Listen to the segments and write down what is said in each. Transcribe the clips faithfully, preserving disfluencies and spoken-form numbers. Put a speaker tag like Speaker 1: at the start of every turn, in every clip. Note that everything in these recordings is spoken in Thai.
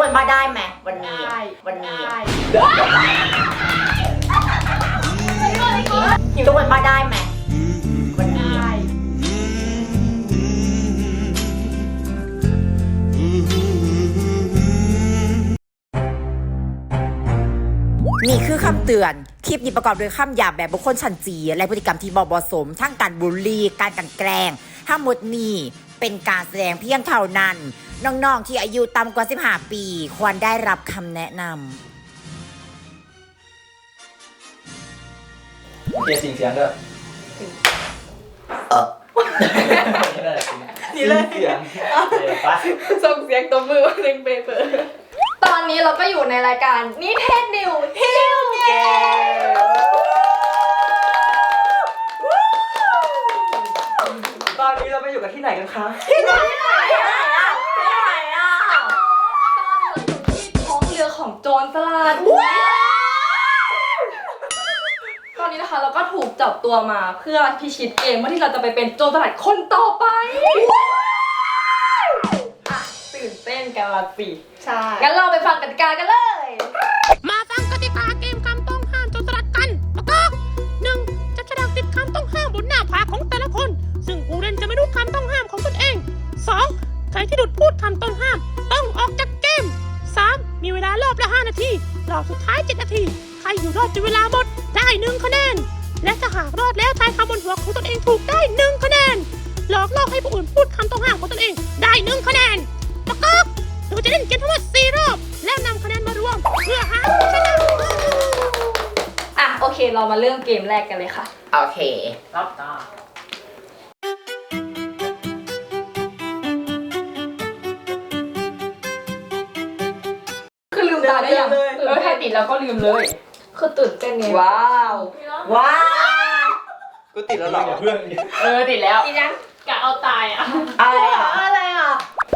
Speaker 1: คนว่าได้ไหมวันนี้วันนี้ทุกคนว่าได้ไหมวันนี้นี่คือคำเตือนคลิปนี้ประกอบด้วยคำหยาบแบบบุคคลชั้นจีและพฤติกรรมที่บ่เหมาะสมทั้งการบูลลี่การกลั่นแกล้งทั้งหมดนี้เป็นการแสดงเพียงเท่านั้นน้องๆที่อายุต่ำกว่าสิบห้าปีควรได้รับคำแนะน
Speaker 2: ำเกียร์สิ่งเสียงด้วยเออนี่เลยเสียง
Speaker 3: ส่งเสียงตัวมือหนึ่งเปเปอร์ตอนนี้เราก็อยู่ในรายการนิเทศนิวฮิลเกม
Speaker 2: ตอนนี้เราไปอยู่กันที่ไหนกันคะ
Speaker 3: ที่ไหนที่ไหนอ่ะที่ไหนอ่ะตอนนี้เราอยู่ที่ท้องเรือของโจรสลัดตอนนี้นะคะเราก็ถูกจับตัวมาเพื่อพิชิตเกมว่าที่เราจะไปเป็นโจรสลัดคนต่อไปอ่ะตื่นเต้นกันละสิใช่งั้นเราไปฟังกติกากันเลย
Speaker 4: มาฟังกติกาเกมคำต้องห้ามโจรสลัดกันแล้วก็หนึ่งจับฉลากติดคำต้องห้ามบนหน้าผากของแต่ละคนซึ่งผู้เล่นจะไม่รู้คำต้องห้ามของตนเองสองใครที่หลุดพูดคำต้องห้ามต้องออกจากเกมสามมีเวลารอบละห้านาทีรอบสุดท้ายเจ็ดนาทีใครอยู่รอดจนเวลาหมดได้หนึ่งคะแนนและถ้าหากรอดแล้วทายคำบนหัวของตนเองถูกได้หนึ่งคะแนนหลอกล่อให้ผู้อื่นพูดคำต้องห้ามของตนเองได้หนึ่งคะแนนประกอบเราจะเล่นเกมทั้งหมดสี่รอบแล้วนำคะแนนมารวมเพื่อหาผู้ชนะ
Speaker 3: อ่ะโอเคเรามาเริ่มเกมแรกกันเลยค่ะ
Speaker 1: โอเครอบต่อ
Speaker 3: คือลืมตาได้ยังเออถ้าติดแล้วก็ลืมเลยคือตื่นเต้นไงว้าว
Speaker 1: ว้าว
Speaker 2: กูติดแล้วหรอเพื่อน
Speaker 3: เออติดแล้ว
Speaker 4: ติดยังกะเอาตายอ่ะ
Speaker 1: อะไรอ่ะอะไรอ่ะ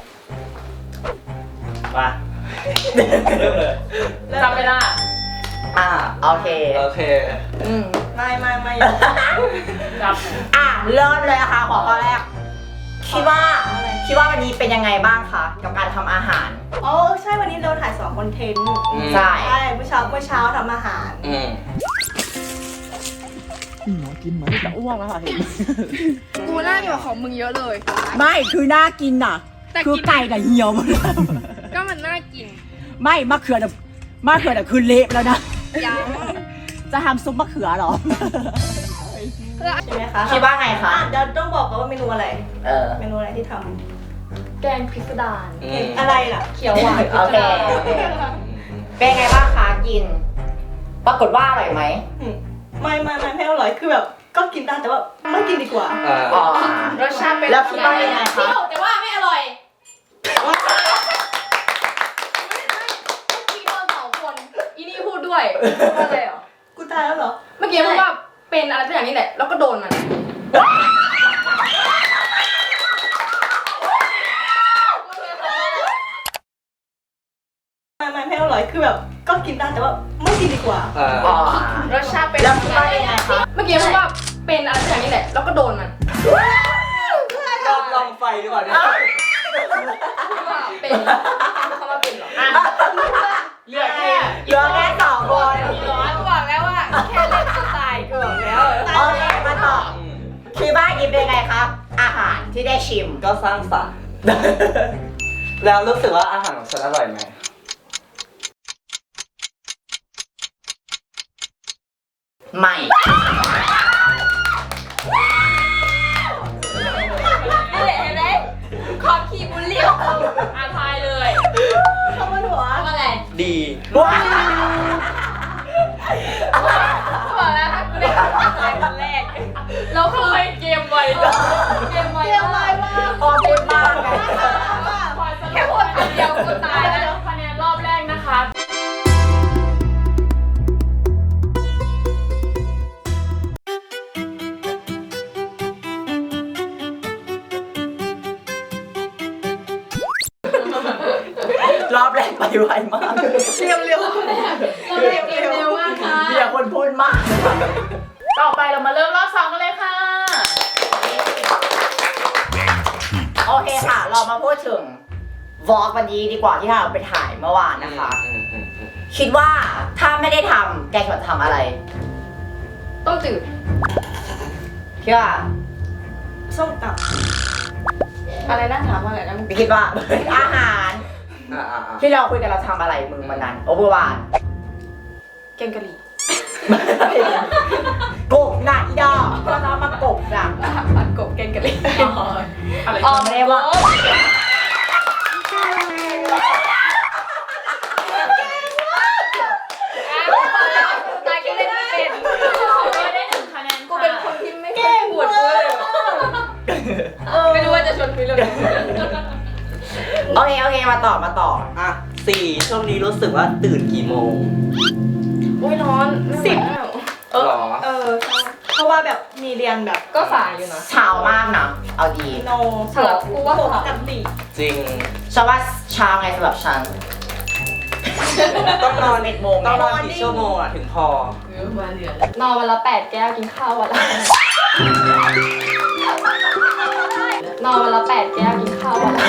Speaker 2: มาเริ่มเลย
Speaker 3: จำไม่ได้
Speaker 1: อ่าโอเค
Speaker 2: โอเค
Speaker 3: อืมไม่ไม่ไม่
Speaker 1: จำอ่ะเริ่มเลยค่ะขอข้อแรกคิดว่าคิดว่าวันนี้เป็นยังไงบ้างคะกับการทำอาหาร
Speaker 5: อ๋อใช่วันนี้เราถ่ายสองคอนเทนต์
Speaker 1: ใช่
Speaker 5: ใช่เมื่อเช้าเมื่อเช้าทำอาหาร
Speaker 2: อืม
Speaker 1: หมอกินเหมือนจะอ้วกแล้วค่ะเห็น
Speaker 3: กูน่าจะของมึงเยอะเลย
Speaker 1: ไม่คือน่ากินน่ะคือไก่กับเหี่ยวหมดแล้ว
Speaker 3: ก็มันน่ากิน
Speaker 1: ไม่มะเขือน่ะมะเขือน่ะคือเละแล้วนะ
Speaker 3: ยัง
Speaker 1: จะทำซุปมะเขือหรอ
Speaker 5: ใช่ไหมคะ
Speaker 1: คิดว่าไงคะ
Speaker 5: เดี๋ยวต้องบอกกันว่าเมนูอะไร
Speaker 1: เออ
Speaker 5: เมนูอะไรที่ท
Speaker 3: ำแกงพิสดาร
Speaker 5: อะไรล่ะ
Speaker 3: เขียวหวาน
Speaker 1: โอเคเป็นไงบ้างคะกินปรากฏว่าอร่อยไหม
Speaker 5: ไม่ไม่ไม่ไม่อร่อยคือแบบก็กินได้แต่ว่าไม่กินดีกว่า
Speaker 1: อ๋อ
Speaker 3: รสชาติเป็น
Speaker 1: แล้วคิดว่ายังไงคะ
Speaker 3: แต่ว่าไม่อร่อยเมื่อกี้เราสองคนอีนี่พูดด้วยว่าอะไรเหรอ
Speaker 5: กูตายแล้วเหรอ
Speaker 3: เมื่อกี้พูดว่าเป็นอะไรสักอย่างนี้แหละแล้วก็โดนมัน
Speaker 5: ไม่ไม่ไม่อร่อยคือแบบก็กินได้แต่ว่าไม่กินดีกว่า
Speaker 1: อ๋อ
Speaker 3: รสชาติเป็น
Speaker 1: แล้วคิดว่ายังไงคะ
Speaker 3: เมื่อกี้พูดว่าเป็นอะไรสักอย่างนี้แหละแล้วก็โดนมัน
Speaker 2: ลองลองไฟดีกว่าเนี่ย
Speaker 3: เป็นเขามาเป็นหรอ
Speaker 1: เหลือแค่เหลือแค่สองคน
Speaker 3: กูบอกแล้วว่าแค่เล่นสไตล์กูบอกแล้ว
Speaker 1: โอเคมาต่อคิดว่ากินเป็นไงครับอาหารที่ได้ชิม
Speaker 2: ก็สร้างสรรค์แล้วรู้สึกว่าอาหารของฉันอร่อยไหม
Speaker 1: ไม่
Speaker 3: เห็นไหมขอคีบุลลี่อาทายเลย
Speaker 5: เข้ามาหัว
Speaker 3: อะไร
Speaker 2: ดี
Speaker 1: ว้า
Speaker 3: บอกแล้วถ้ากูได้ทายคนแรกเราเคยเกมไวเกมไวมาก
Speaker 1: พอพูดมาก
Speaker 3: แค่พูดคนเดียวกูตายแล้วคะแนนรอบแรกนะคะ
Speaker 1: รอบแรกไปไวมาก
Speaker 5: เร็วเร็ว
Speaker 3: เร็วเร็วมากค่ะ
Speaker 1: เบียร์คนพูดมาก
Speaker 4: ต่อไปเรามาเริ่มรอบสองกันเลยค่ะ
Speaker 1: โอเคค่ะเรามาพูดถึงวอล์กวันนี้ดีกว่าที่เราไปถ่ายเมื่อวานนะคะ
Speaker 2: อืมอืมอืม
Speaker 1: คิดว่าถ้าไม่ได้ทำแกควรทำอะไร
Speaker 3: ต้มจืด
Speaker 1: พี่ว่า
Speaker 5: ส้มต
Speaker 3: อะไรนะถามว่าอะไรนะ
Speaker 1: พี่คิดว่า อาหาร
Speaker 2: อ่าอ่าอ่า
Speaker 1: ที่เราคุยกันเราทำอะไรมึงวันนั้น โอเวอร์วาน
Speaker 3: แกงกะหรี่
Speaker 1: กบหนักดอกเราจะเอามากบหนัก
Speaker 3: ผัดกบแกงกะหรี่
Speaker 1: อะไรไม่ได้ว่า
Speaker 3: นายก็เล่นไม่เป็น
Speaker 4: ไม่ได้หนึ่งคะแนน
Speaker 3: กูเป็นคนที่ไม่ค่อยปวดเลยไม่รู้ว่าจะชวนคุยเรื่องอะไร
Speaker 1: โอเคโอเคมาต่อมาต่อ
Speaker 2: อ่ะสี่ช่วงนี้รู้สึกว่าตื่นกี่โมง
Speaker 3: อุ้ยร้อนสิบ
Speaker 5: ำเออ
Speaker 2: หรอ
Speaker 5: เออเพราะว่าแบบมีเรียนแบบ
Speaker 3: ก็สายอยู่นะ
Speaker 1: เช้ามากนะเอาดี
Speaker 5: โน
Speaker 3: สำหรับกูว่า
Speaker 5: ปกติ
Speaker 2: จริง
Speaker 1: ฉันว่าเช้าไงสำหรับฉัน
Speaker 2: ต้องนอน
Speaker 1: เอ็ดโมง
Speaker 2: ต้องนอนกี่ชั่วโมงอ่ะถึงพอ
Speaker 3: นอนวันละแปดแก้วกินข้าววันละนอนวันละแปดแก้วกินข้าววันละ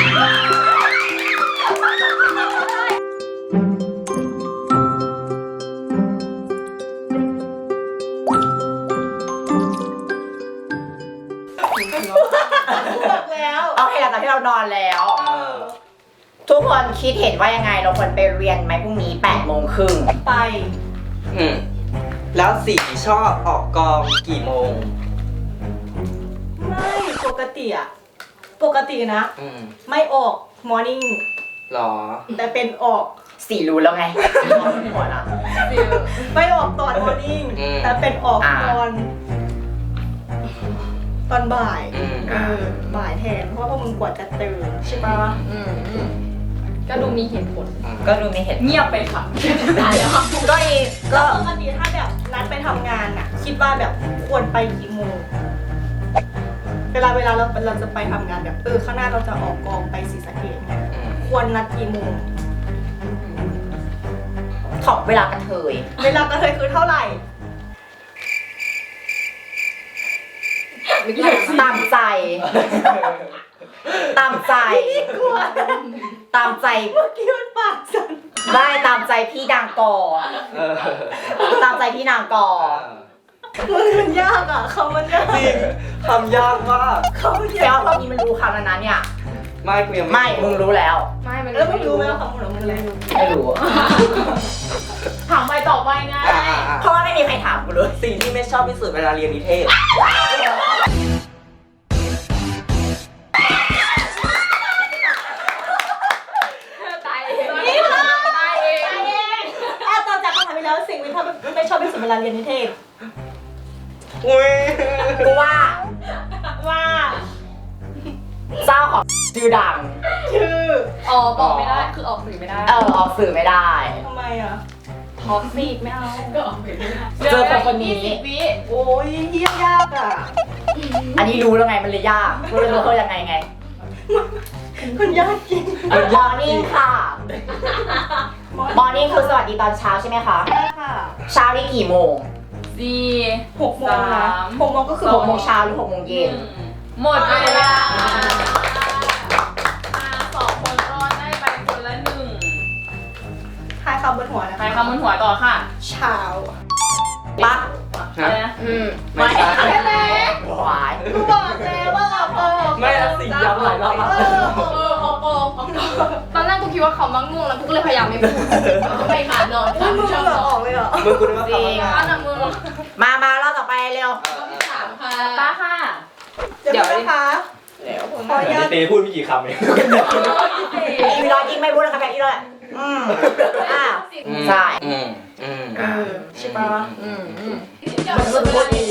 Speaker 5: บอกแล้ว
Speaker 1: โอเคหลังจากที่เรานอนแล้ว
Speaker 2: เออ
Speaker 1: ทุกคนคิดเห็นว่ายังไงเราควรไปเรียนไหมพรุ่งนี้แปดโมงครึ่ง
Speaker 5: ไป
Speaker 2: อืมแล้วสี่ชอบออกกองกี่โมง
Speaker 5: ไม่ปกติอะปกตินะ
Speaker 2: อืม
Speaker 5: ไม่ออกมอร์นิ่ง
Speaker 2: หรอ
Speaker 5: แต่เป็นออก
Speaker 1: สี่รู้แล้วไงสี่มองหัวนะ
Speaker 5: ไม่ออกตอนมอร์นิ่ง
Speaker 2: อืม
Speaker 5: แต่เป็นออก
Speaker 1: อ่า
Speaker 5: ตอน ตอนบ่าย
Speaker 2: อืม
Speaker 5: เออบ่ายแทนเพราะว่าพวกมึงกว่าจะตื่นใช่ปะ
Speaker 3: อืมอืมก็ดูมีเหตุผล
Speaker 1: ก็ดูมีเหตุ
Speaker 3: เงียบไปค่ะได้แล้ว
Speaker 1: ก็อีก็
Speaker 5: ปกติถ้าแบบนัดไปทำงานอะคิดว่าแบบควรไปกี่โมง เวลาเวลาเราเราจะไปทำงานแบบเออข้างหน้าเราจะออกกองไปศรีสะเกษเนี่ย
Speaker 2: อืม
Speaker 5: ควรนัดกี่โมง
Speaker 1: ของเวลากระเทย
Speaker 5: เวลากระเทยคือเท่าไหร่
Speaker 1: ตามใจ ตามใจ ตามใจ
Speaker 5: เมื่อกี้มันปากสั่น
Speaker 1: ได้ตามใจพี่นางกอ
Speaker 2: เออ
Speaker 1: ตามใจพี่นางกอ
Speaker 5: มันมันยากอ่ะคำมันยาก
Speaker 2: จริงทำยากมาก
Speaker 5: คำมัน
Speaker 1: แปล
Speaker 5: ยาก
Speaker 1: ว่าตอนนี้มันรู้คำนั้นนะเนี่ย
Speaker 2: ไม่กูยัง
Speaker 1: ไม่ มึงรู้แล้ว
Speaker 3: ไม่มัน
Speaker 5: แล้วมึงรู้ไหมว่าคำของมันอะไร
Speaker 1: ไม่รู้
Speaker 4: ถามไปต่อไปไง
Speaker 2: อ่ะอ่ะอ่ะ
Speaker 1: เพราะว่าไม่มีใครถามกูเลย
Speaker 2: สิ่งที่ไม่ชอบที่สุดเวลาเรียนนิเทศ
Speaker 3: ตายเองตายเอง
Speaker 5: อ่ะต่อจากคำถามไปแล้วสิ่งที่ถ้าไม่ชอบที่สุดเวลาเรียนนิเทศ
Speaker 2: อุ้ย
Speaker 1: กูว่า
Speaker 5: ว่า
Speaker 1: เจ้าของชื่อดัง
Speaker 5: ชื่อ
Speaker 3: อ๋อบอกไม่ได้คือออกสื่อไม่ได้
Speaker 1: เออออกสื่อไม่ได้
Speaker 5: ทำไมอ่ะ
Speaker 3: ท็อกซิกไม่เอาก็ออกสื่อไม่ได้
Speaker 1: เจอคนคนนี้
Speaker 3: วิ
Speaker 5: โอ้ยเยี่ยยากอ่ะ
Speaker 1: อันนี้รู้แล้วไงมันเลยยากรู้เลยว่าเขายังไงไง
Speaker 5: มันยากจริง
Speaker 1: มอร์นิ่งค่ะ มอร์นิ่งคือสวัสดีตอนเช้าใช่ไหมคะ
Speaker 5: ใช่ค่ะ
Speaker 1: เช้านี่กี่โมง
Speaker 4: สี่
Speaker 5: หกโมงนะหกโมงก็คือ
Speaker 1: หกโมงเช้าหรือหกโมงเย็น
Speaker 4: หมดเวลาอ่าสองคนรอดได้ไปคนละหนึ่ง
Speaker 5: ทายคำบนหัวนะ
Speaker 4: ใครคำบนหัวต่อค่ะ
Speaker 5: เช้า
Speaker 1: ปะ
Speaker 4: อะไรนะ
Speaker 3: อืม
Speaker 2: ไม่ใช่
Speaker 1: หวาย
Speaker 5: กูบอกแล้วว่าเราเออ
Speaker 2: ไม่เอาสิ่งย้ำหลายรอบแล้ว
Speaker 5: เออ
Speaker 3: เออออกออกตอนแรกกูคิดว่าเขามังง่วงแล้วกูก็เลยพยายามไม่พูดไม่มานอน
Speaker 5: มึงมึงเหงื่อออกเลยเหรอ
Speaker 2: มึงกูนึกว่า
Speaker 1: จริ
Speaker 2: คำ
Speaker 1: ง
Speaker 2: ว่า
Speaker 3: อันนั้นมึง
Speaker 1: มามาเราต่อไปเร็ว
Speaker 3: สามค่ะ
Speaker 4: ตาค่ะ
Speaker 5: เดี๋ยวนะคะขออนุญาต
Speaker 6: เตพูดไม่กี่คำเอง
Speaker 1: อีรอยยิงไม่พูดแล้วค่ะแบบอีรอยอืมอ่า
Speaker 2: อืม
Speaker 1: ใช่
Speaker 2: อืมอืม
Speaker 5: เออใช่ปะ
Speaker 3: อืมอืม
Speaker 1: มันคือพูดดี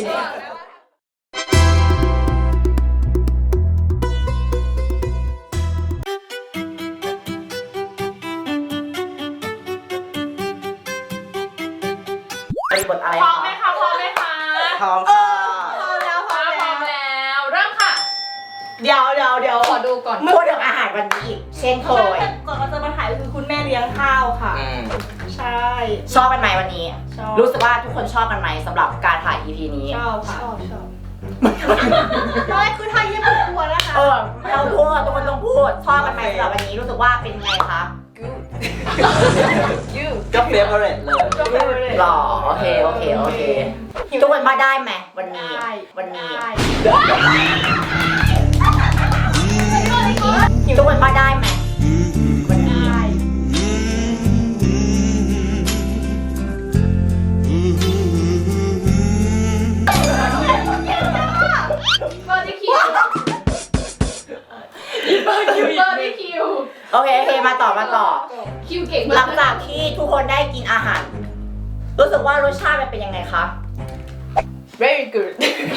Speaker 1: บริบทอะไร
Speaker 4: พร้อม
Speaker 1: คะ
Speaker 4: ไหมคะพร้อมไหมคะ
Speaker 2: พร้อมค่ะ
Speaker 5: พร้อมแล้วพร้อ
Speaker 4: ถ้าม พร้อม
Speaker 5: แล้ว
Speaker 4: แล้วเริ่มค่ะ
Speaker 5: เดี๋ยวเดี๋ยวเดี๋ยว
Speaker 3: ขอดูก่อน
Speaker 1: พูดถึงอาหารวันนี้อีกเช่นเคย
Speaker 5: ก่อนเราจะมาถ่ายคือคุณแม่เลี้ยงข้าวค่ะ
Speaker 2: อืม
Speaker 5: ใช่
Speaker 1: ชอบกันไหมวันนี้
Speaker 5: ชอบ
Speaker 1: รู้สึกว่าทุกคนชอบกันไหมสำหรับการถ่าย อี พี นี้
Speaker 5: ชอบค่ะชอบชอบไม่คือถ้าเยี่ยมกลัวนะคะ
Speaker 1: เออเราพูดทุกคนต้องพูดชอบกันไหมสำหรับวันนี้รู้สึกว่าเป็นไงคะ
Speaker 3: ยู
Speaker 2: ก็เฟเวอร์เรตเลย
Speaker 1: หล่อโอเคโอเคโอเคทุกคนมาได้ไหมวันนี้
Speaker 5: ได้
Speaker 1: วันนี้
Speaker 5: ได้
Speaker 1: ทุกคนมาได้ไหมวันนี้
Speaker 5: ได้
Speaker 3: บอดี้คิวบอดี้คิว
Speaker 1: โอเคโอเคมาต่อมาต่อ
Speaker 3: คิวเก่ง
Speaker 1: ห
Speaker 3: มา
Speaker 1: ลั
Speaker 3: ก
Speaker 1: งจากที่ทุกคนได้กินอาหาร รู้สึกว่ารสชาติมันเป็นยังไงคะ
Speaker 3: very good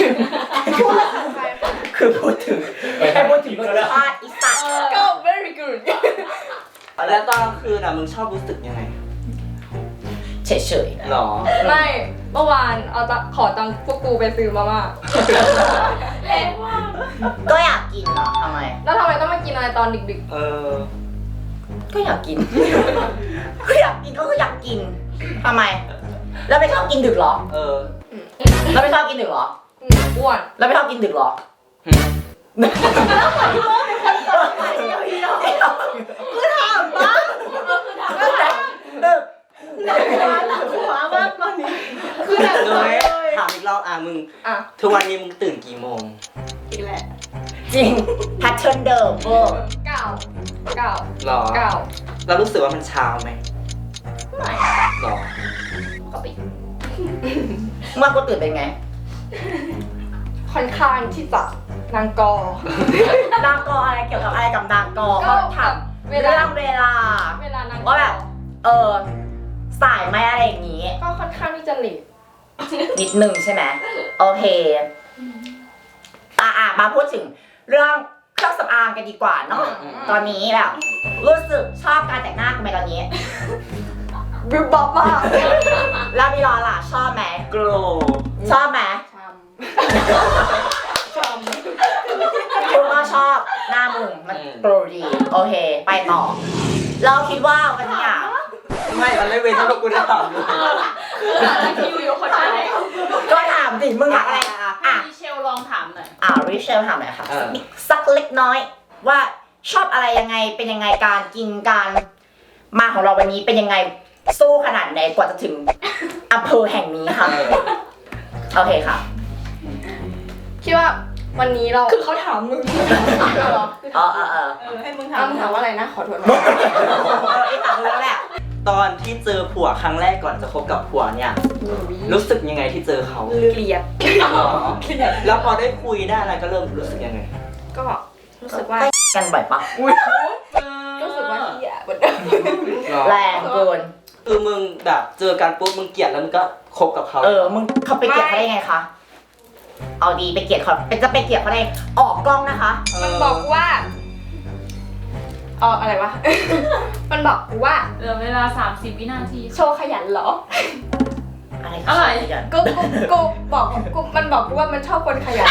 Speaker 1: คือพูดถึงแค่พูดถึงรสชาติอีสัตว์
Speaker 3: ก็ very good
Speaker 2: แล้วตอนกลางคืนอ่ะมึงชอบรู้สึกยังไง
Speaker 1: เฉยๆ
Speaker 2: หรอ
Speaker 3: ไม่เมื่อวานเอาตังขอตังค์พวกกูไปซื้อมาม่าเล่นว่า
Speaker 1: ก็อยากกินเหรอทำไม
Speaker 3: แล้วทำไมต้องมากินอะไรตอนดึก
Speaker 2: เออ
Speaker 1: ก็อยากกิน ก็อยากกินก็คืออยากกินทำไม แล้วไม่ชอบกินดึกเหรอ
Speaker 2: เออ
Speaker 1: แล้วไม่ชอบกินดึกเหรอ
Speaker 3: ๆอืมอ้วน
Speaker 1: แล้วไม่ชอบกินดึกเหรอ
Speaker 5: คือถามปะ
Speaker 1: ดึก
Speaker 5: หนักหัวหนักหัวมากตอนนี้
Speaker 3: คือแบบ
Speaker 2: เลยถามอีกรอบอ่ะมึง
Speaker 3: อ่ะ
Speaker 2: ทุกวันนี้มึงตื่นกี่โมง
Speaker 5: อีกแหละ
Speaker 1: จริงแพทเทิร์นเดิมเวอร์
Speaker 3: เก้าเก้า
Speaker 2: หรอ
Speaker 3: เก้า
Speaker 2: เรารู้สึกว่ามันเช้าไหม
Speaker 1: ไม่
Speaker 2: หรอ
Speaker 1: ปกติเมื่อกูตื่นเป็นไง
Speaker 3: ค่อนข้างที่จะนางกอ
Speaker 1: นางกออะไรเกี่ยวกับอะไรกับนางกอ
Speaker 3: ก็
Speaker 1: เขาถาม
Speaker 3: เว
Speaker 1: เรื่
Speaker 3: ลา
Speaker 1: องเวลา
Speaker 3: เวลานางกอ
Speaker 1: ว่าแบบ เออ สายไหมอะไรอย่างงี้
Speaker 3: ก็ค่อนข้างที่จะเลท
Speaker 1: นิดนึงใช่ไหมโอเค อ่ะอ่ะมาพูดถึงเรื่องเครื่องสำอางกันดีกว่าเนาะ
Speaker 2: อืม
Speaker 1: ตอนนี้แบบรู้สึกชอบการแต่งหน้ากันไหมตอนนี้
Speaker 3: บิวบอบมาก
Speaker 1: แล้วมีรอล่ะชอบไหม
Speaker 2: โกร
Speaker 1: ชอบไหม
Speaker 3: ชม
Speaker 1: คุณก็ชอบหน้ามึงมันโปรดีโอเค ไปต่อ เราคิดว่าวันนี้อ่ะ
Speaker 2: ไม่มันไม่เว้นที่พวกกูได้ถามเลย
Speaker 3: คิวอยู่คนไทย
Speaker 1: ก็ถามสิมึงอยากอะไรอ่ะอ่ะ
Speaker 6: มิเชลลองถามหน่อย
Speaker 1: อ่าริเชลถามหน่อยค่ะ
Speaker 2: เออ
Speaker 1: สักเล็กน้อย ว่าชอบอะไรยังไงเป็นยังไงการกินการมาของเราวันนี้เป็นยังไงสู้ขนาดไหนกว่าจะถึงอำเภอแห่งนี้ค่ะ
Speaker 2: เออ
Speaker 1: โอเคค่ะ
Speaker 3: คิดว่าวันนี้เราคือเขาถามมึงเหรอ
Speaker 1: เออเออเออ
Speaker 5: เออให้มึงถา
Speaker 3: ถาม มถามว่าอะไรนะขอโทษ
Speaker 1: เออไอ้ถามแล้วแหละ
Speaker 2: ตอนที่เจอผัวครั้งแรกก่อนจะคบกับผัวเนี่ย รู้สึกยังไงที่เจอเขา
Speaker 3: เกลียด
Speaker 2: หรอแล้วพอได้คุยได้อะไรก็เริ่มรู้สึกยังไง
Speaker 3: ก็รู้สึกว่า
Speaker 1: กันบ่อยปะ
Speaker 3: รู้สึกว่าเฮียเหมือนเดิม
Speaker 1: แรงเกิน
Speaker 2: คือมึงแบบเจอกันปุ๊บมึงเกลียดแล้วมึงก็คบกับเขา
Speaker 1: เออมึงเขาไปเกลียดเขาได้ไงคะเอาดีไปเกลียดเขาเป็นจะไปเกลียดเขาได้ออกกล้องนะคะ
Speaker 2: เ
Speaker 3: มันบอกกูว่าเอออะไรวะ มันบอกกูว่า
Speaker 6: เหลือเวลา สามสิบ วินาที
Speaker 3: โชว์ขยันเหรอ
Speaker 1: อะไร
Speaker 6: อะไร
Speaker 1: กัน
Speaker 3: กูกูกูบอกกูมันบอกกูว่ามันชอบคนขยัน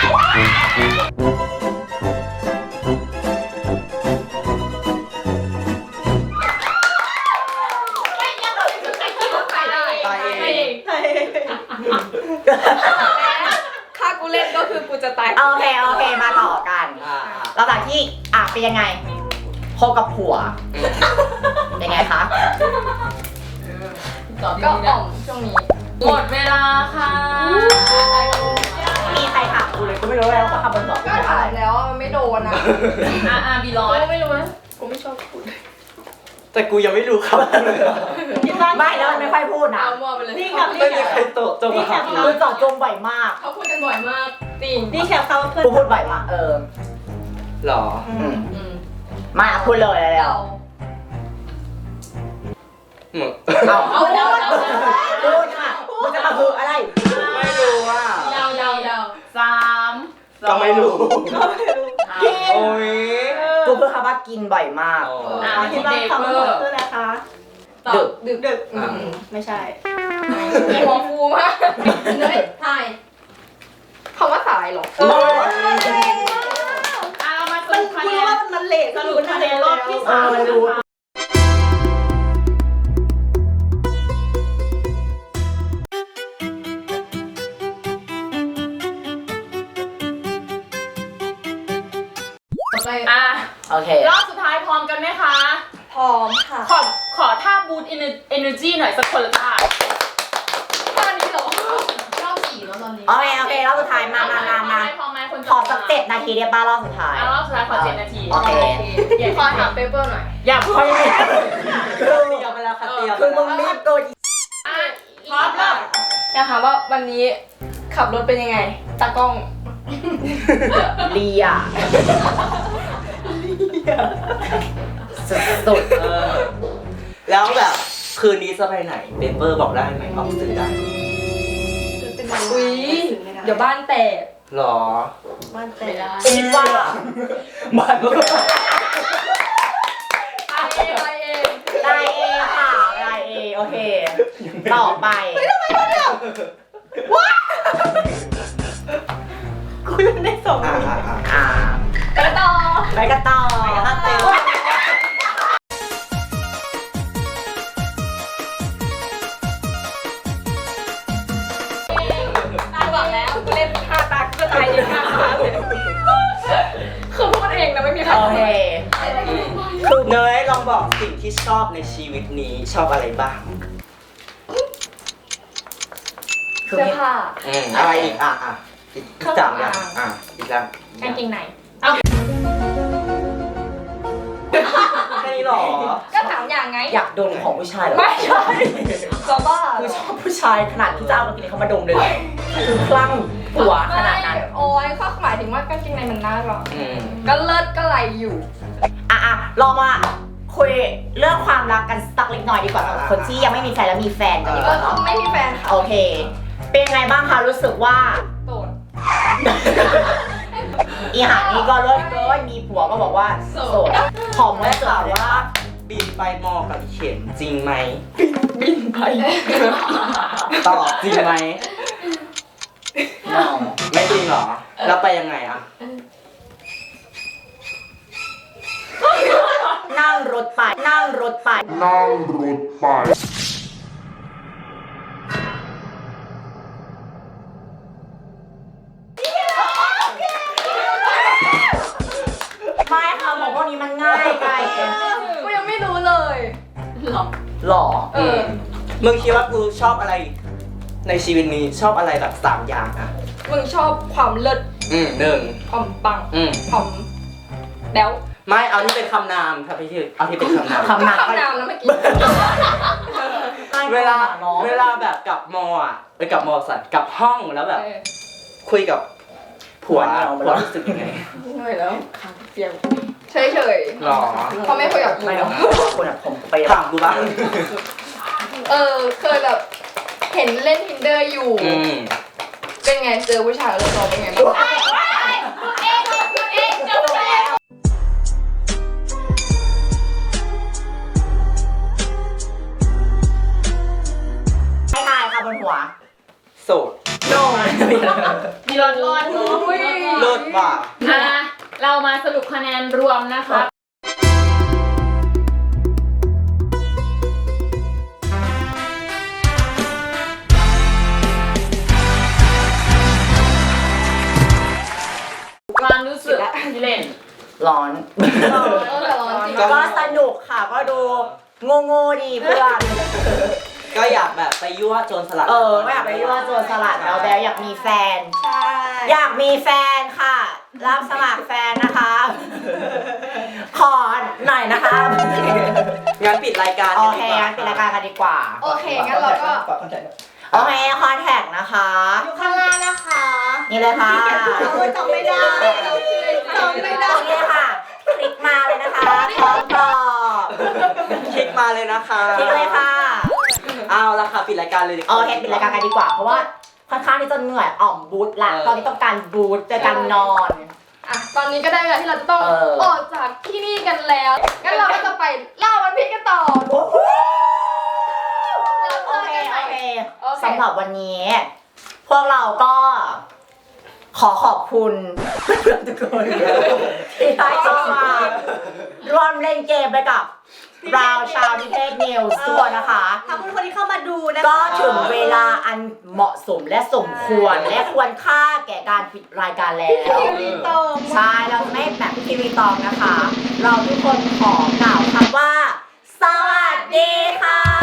Speaker 2: ตายเอง
Speaker 3: ถ้ากูเล่นก็คือกูจะตาย
Speaker 1: โอเคโอเคมาต่อกัน
Speaker 2: อ่า
Speaker 1: หลังจากที่อ่ะเป็นยังไงคบกับผัว เป็นไงคะ
Speaker 6: ตอบ
Speaker 3: ก็
Speaker 6: ดีๆ
Speaker 3: อ่อ
Speaker 6: นะ
Speaker 3: มช่วงนี้
Speaker 6: หมดเวลาค่ะ
Speaker 1: มีใครถามกูเลยกูไม่รู้เลยว่าเขาทำบนบอกกู
Speaker 3: ก็
Speaker 1: ไม่
Speaker 3: ถา
Speaker 1: อะไร
Speaker 3: มแล้วอะมันไม่โดนอ่ะ
Speaker 6: อ่าอ่าบีร้อย
Speaker 3: กูไม่รู้นะกูไม่ชอบพูด
Speaker 2: แต่กูยังไม่รู้ครับเลย
Speaker 1: ไม่แล้วมันไม่ค่อยพูดนะ
Speaker 3: เอามั่วไปเลย
Speaker 5: นี่กับ
Speaker 2: ไม่มีใครโตจงมาหา
Speaker 1: คือเจอดจงบ่อยมาก
Speaker 3: เขาพูดกันบ่อยมากจริง
Speaker 5: นี่แคปเขาเพื่อน
Speaker 1: กูพูดบ่อยมากเออ
Speaker 2: หรอ
Speaker 1: อืม
Speaker 3: อืม
Speaker 1: มาพูดเลยแล้ว
Speaker 3: เรา
Speaker 2: มึง
Speaker 1: เอา
Speaker 3: เอาเดาเดา
Speaker 1: พูดค่ะมึงจะมาคืออะไร
Speaker 2: ไม่รู้ว่า
Speaker 6: เดาเดาเดาสาม
Speaker 2: ก็ไม่รู้
Speaker 1: กิน
Speaker 2: โอ้ย
Speaker 1: กูเพิ่งคำว่ากินบ่อยมาก
Speaker 2: อ๋อ
Speaker 6: อ่า
Speaker 5: คิดว่าคำว่าคืออะไรคะ
Speaker 3: ตอบ
Speaker 1: ดึก
Speaker 3: ดึก
Speaker 5: ดึก
Speaker 3: อืม
Speaker 5: ไม่ใช่
Speaker 3: มีหัวฟูมากเฮ้ยทายคำว่าสายเหรอ
Speaker 1: โอ้ย
Speaker 6: อ่าเรามาส
Speaker 5: มัน
Speaker 6: รุปคะแน
Speaker 5: รู้
Speaker 6: น
Speaker 5: ว่ามันเลทสรุปคะแนนรอบที่
Speaker 1: เอ
Speaker 5: สาม
Speaker 1: อรู้
Speaker 6: อ่ะ
Speaker 1: โอเค
Speaker 6: รอบสุดท้ายพร้อมกันไหมคะ
Speaker 3: พร้อมค่ะ
Speaker 6: ขอขอท่าบูตเอเนอร์จีหน่อยสักคนละท่า
Speaker 3: ตอนนี้เหรอ
Speaker 6: รอบสี่แล้วตอนนี้
Speaker 1: โอเคโอเครอบสุดท้ายมามามามา
Speaker 6: พร้อมไหมคน
Speaker 1: ขอสักเจ็ดนาทีเดียวป้ารอบสุดท้าย
Speaker 6: อ่ะรอบสุดท้ายขอเจ็ดนาที
Speaker 1: โอเค
Speaker 6: อย่า
Speaker 3: ขอถามเปเปอร์หน่อย
Speaker 6: อย่าค่อยไม่
Speaker 2: คือเตรียมไปแล้วค่ะเตรียม
Speaker 1: คือมึงรีบเกิน
Speaker 6: อ่ะพร้อมแล้ว
Speaker 3: อยากถามว่าวันนี้ขับรถเป็นยังไง ตากล้อง
Speaker 1: เลียสุด
Speaker 2: เออแล้วแบบคืนนี้จะไปไหนเปเปอร์บอกได้ไหมออกสื่อได้
Speaker 3: อุ้ยเดี๋ยวบ้านแตก
Speaker 2: หรอ
Speaker 5: บ้านแต
Speaker 3: ไม่
Speaker 5: ก
Speaker 3: ได้
Speaker 1: ๆคิดว่า
Speaker 2: บ้านก็
Speaker 3: ไปเองไปเอง
Speaker 1: ได้เอค่ะได้เอโอเค ต่อไป
Speaker 5: คุยกันได้สอง
Speaker 2: อ่า
Speaker 5: นาที
Speaker 2: อ่า
Speaker 1: อ่า
Speaker 3: ไปต่อ
Speaker 1: ไปกันต่อ
Speaker 2: ถ้าเต็ม
Speaker 3: ตาบอกแล้วกูเล่นท่าตากูก็ตายเองท่าตาเลยคือพูดเองนะไม่มีใคร
Speaker 1: โอเค
Speaker 2: คือเนยลองบอกสิ่งที่ชอบในชีวิตนี้ชอบอะไรบ้าง
Speaker 3: เสื้อผ้า
Speaker 2: อืมอะไรอีกอ่ะอ่ะอีกสามอย่างอ่ะอีกแล้ว
Speaker 3: กางเกงใน
Speaker 2: แค่นี้หรอ
Speaker 3: ก็ถามอย่างไง
Speaker 1: อยากดมของผู้ชายเหรอ
Speaker 3: ไม่ใช่จะบ้า
Speaker 1: คือชอบผู้ชายขนาดที่จะเอากางเกงในเขามาดมเลยเหรอคือคลั่งหัวขนาดนั้น
Speaker 3: โอ้ยก็หมายถึงว่ากางเกงในมันน่ารัก
Speaker 2: อืม
Speaker 3: ก็เลิศก็ไหลอยู่
Speaker 1: อ่ะอ่ะลองมาคุยเรื่องความรักกันสักเล็กน้อยดีกว่าสำหรับคนที่ยังไม่มีแฟนแล้วมีแฟนกันดีก
Speaker 3: เออ
Speaker 1: ว่าเนาะ
Speaker 3: ไม่มีแฟนค่ะ
Speaker 1: โอเค เป็นไงบ้างคะรู้สึกว่า
Speaker 3: โสด
Speaker 1: อีหานี่ก็เลิศเกินมีผัวก็บอกว่าโสดขอม
Speaker 2: ได้
Speaker 1: ว่า
Speaker 2: ข่าว
Speaker 1: ว่า
Speaker 2: ว่าบินไปมอกับเข็มจริงไหม
Speaker 1: บินไป
Speaker 2: ตอบจริงไหมไม่จริงเหรอ แล้วไปยังไงอ่ะ
Speaker 1: นั่งรถไป นั่งรถไป
Speaker 7: นั่งรถไป
Speaker 1: ไม่ค่ะของพวกนี้มันง่ายไป
Speaker 3: กูยังไม่รู้เลย
Speaker 1: หรอ
Speaker 3: เออ
Speaker 2: มึงคิดว่ากูชอบอะไร ในชีวิตนี้ชอบอะไรแบบสามอย่างอ่ะ
Speaker 3: มึงชอบความเลิศ
Speaker 2: อืมหนึ่ง
Speaker 3: ความปัง
Speaker 2: อืม
Speaker 3: ความแบ๊ว
Speaker 2: ไม่เอาที่เป็นคำนามครับพี่ที่เอาที่เป็นคำนาม
Speaker 1: คำนาม
Speaker 3: คำนามแล้วเมื่อกี้
Speaker 2: เวลา
Speaker 1: น้อง
Speaker 2: เวลาแบบกลับมออ่ะไปกลับมอสัตว์กลับห้องแล้วแบบ
Speaker 3: เออ
Speaker 2: คุยกับผัว
Speaker 1: เอาไป
Speaker 2: ผัว
Speaker 1: แล้ว
Speaker 2: รู้สึกยังไง
Speaker 3: เหนื่อยแล้วเปียกเฉยเฉย
Speaker 2: หรอ
Speaker 3: เขาไม่คุยกับกู
Speaker 1: ไม่หรอกคนอะผมไป
Speaker 2: ถามกูบ้าง
Speaker 3: เออเคยแบบเห็นเล่น Tinder อยู่
Speaker 2: อืม
Speaker 3: เป็นไงเจอผู้ชายแล้วเราเป็นไงบ้าง
Speaker 1: ไม่ทายค่ะบนหัว
Speaker 2: โสด
Speaker 1: โดน
Speaker 6: มีรอดรอดเนาะ
Speaker 2: เลิศว่ะ
Speaker 6: อ่ะเรามาสรุปคะแนนรวมนะคะ ความรู้สึกที่เล่น
Speaker 1: ร้อน
Speaker 3: เออแต่ร้อนจริง
Speaker 1: ก็สนุกค่ะก็ดูโง่โง่ๆดีเพื่อน
Speaker 2: ก็อยากแบบไปยั่วโจรสลัด
Speaker 1: เออไม่อยากไปยั่วโจรสลัดแล้วแบลอยากมีแฟน
Speaker 5: ใช่
Speaker 1: อยากมีแฟนค่ะ รับสมัครแฟนนะคะ ขอหน่อยนะคะ
Speaker 2: งั้นปิดรายการ
Speaker 1: โอ
Speaker 2: กัน
Speaker 1: เค
Speaker 2: ดีกว่า
Speaker 1: งั้นปิดรายการกันดีกว่า
Speaker 3: โอเคงั้นเราก็
Speaker 1: โอเคคอนแทคนะคะ
Speaker 5: อยู่ข้างล่างนะคะ
Speaker 1: นี่เลยค่ะ
Speaker 5: โอ้ยจำไม่ได้จำไม่ได้
Speaker 1: ตรงนี้ค่ะ คลิกมาเลยนะคะพร้อมตอบ
Speaker 2: คลิกมาเลยนะคะ
Speaker 1: คลิกเลยค่ะ
Speaker 2: เอาละค่ะปิดรายการเลยดีก
Speaker 1: โอ
Speaker 2: ว่า
Speaker 1: เคปิดรายการกันดีกว่า เพราะว่าค่อนข้างที่จะเหนื่อยอ่อมบูทละ
Speaker 2: เออ
Speaker 1: ตอนนี้ต้องการบูทจะการนอน
Speaker 3: อ่ะตอนนี้ก็ได้เวลาที่เราจะต้อง
Speaker 1: เออ
Speaker 3: ออกจากที่นี่กันแล้วงั้นเราก็จะไปเล่าวันพีชกันต่อ
Speaker 1: โอ้โห
Speaker 3: แล้ว
Speaker 1: โอ
Speaker 3: เจอ
Speaker 1: เค
Speaker 3: กันให
Speaker 1: โอ
Speaker 3: ม่
Speaker 1: เค
Speaker 3: โอเค
Speaker 1: สำหรับวันนี้ พวกเราก็ ขอขอบคุณเพื่อนๆทุกคนที่ได้เข้ามาร่วมเล่นเกมไปกับราวชาวนิเทศนิวส์ตัวนะคะ
Speaker 5: ขอบคุณคนที่เข้ามาดูนะคะ
Speaker 1: ก็ถึงเวลาอันเหมาะสมและสมควร และควรค่าแก่การปิดรายการแล้ว
Speaker 5: ทีวีตรง
Speaker 1: ใช่เราไม่แบบทีวีตองนะคะ เราทุกคนขอกล่าวคำว่า สวัสดีค่ะ